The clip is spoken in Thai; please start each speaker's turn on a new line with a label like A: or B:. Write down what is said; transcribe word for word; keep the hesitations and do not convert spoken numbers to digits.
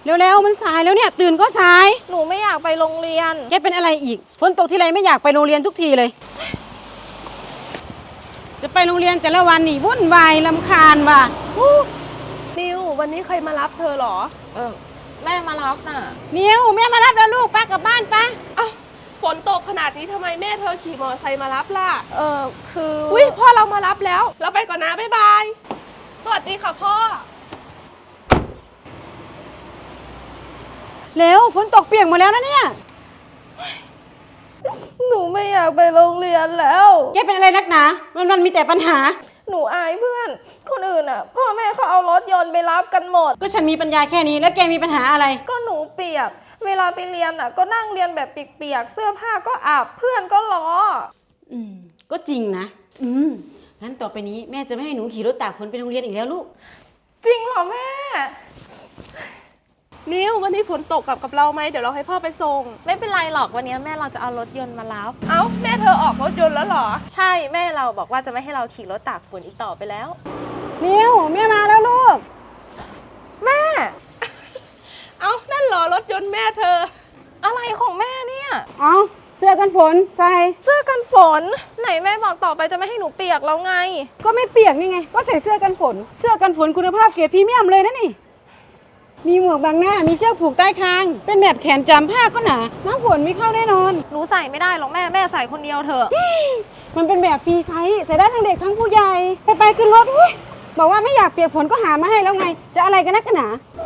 A: เร็วๆมันสายแล้วเนี่ยตื่นก็สาย
B: หนูไม่อยากไปโรงเรียน
A: แกเป็นอะไรอีกฝนตกทีไรไม่อยากไปโรงเรียนทุกทีเลย จะไปโรงเรียนแต่ละวันนี่วุ่นวายรำคาญว่ะ
C: นิววันนี้ใครมารับเธอเหรอ
B: เออแม่มารับน่ะ
A: นิวแม่มารับแล้วลูกป้ากลับบ้านป้า
C: อ้าวฝนตกขนาดนี้ทำไมแม่เธอขี่มอเตอร์ไซค์มารับล่ะ
B: เออคือ
C: อุ้ยพ่อเรามารับแล้ว เราไปก่อนนะบ๊ายบาย สวัสดีค่ะพ่อ
A: เร็วฝนตกเปียกหมดแล้วนะเนี่ย
C: หนูไม่อยากไปโรงเรียนแล้ว
A: แกเป็นอะไรนักหนามันมันมีแต่ปัญหา
C: หนูอายเพื่อน คนอื่นอ่ะ พ่อแม่เขาเอารถยนต์ไปรับกันหมด
A: ก็ฉันมีปัญญาแค่นี้แล้วแกมีปัญหาอะไร
C: ก็หนูเปียก เวลาไปเรียนอ่ะ ก็นั่งเรียนแบบเปียกๆ เสื้อผ้าก็อาบ เพื่อนก็ล้อ
A: อืมก็จริงนะอืมงั้นต่อไปนี้แม่จะไม่ให้หนูขี่รถตากฝนไปโรงเรียนอีกแล้วลูก
C: จริงเหรอแม่ นิววันนี้ฝนตกกลับกับเราไหมเดี๋ยวเราให้พ่อไปส่ง
B: ไม่เป็นไรหรอกวันนี้แม่เราจะเอารถยนต์มารับ
C: เอ้าแม่เธอออกรถยนต์แล้วเหรอ
B: ใช่แม่เราบอกว่าจะไม่ให้เราขี่รถตากฝนอีกต่อไปแล้ว
A: นิวแม่มาแล้วลูก
B: แม่
C: เอ้านั่นเหรอรถยนต์แม่เธอ
B: อะไรของแม่เนี่ย
A: เอาเสื้อกันฝนใส่
B: เสื้อกันฝน ไหนแม่บอกต่อไปจะไม่ให้หนูเปียกแล้วไง
A: ก็ไม่เปียกนี่ไงก็ใส่เสื้อกันฝน เสื้อกันฝนคุณภาพเกรดพรีเมียมเลยนะนี่มีหมวกบังหน้ามีเชือกผูกใต้คางเป็นแบบแขนจำผ้าก็หนาน้ำฝนไม่เข้าแน่นอน
B: หนูใส่ไม่ได้หรอกแม่แม่ใส่คนเดียวเถอะ
A: มันเป็นแบบฟรีไซส์ใส่ได้ทั้งเด็กทั้งผู้ใหญ่ไปไปขึ้นรถอุ๊ยบอกว่าไม่อยากเปียกฝนก็หามาให้แล้วไง จะอะไรกันนักกันหนา
C: โ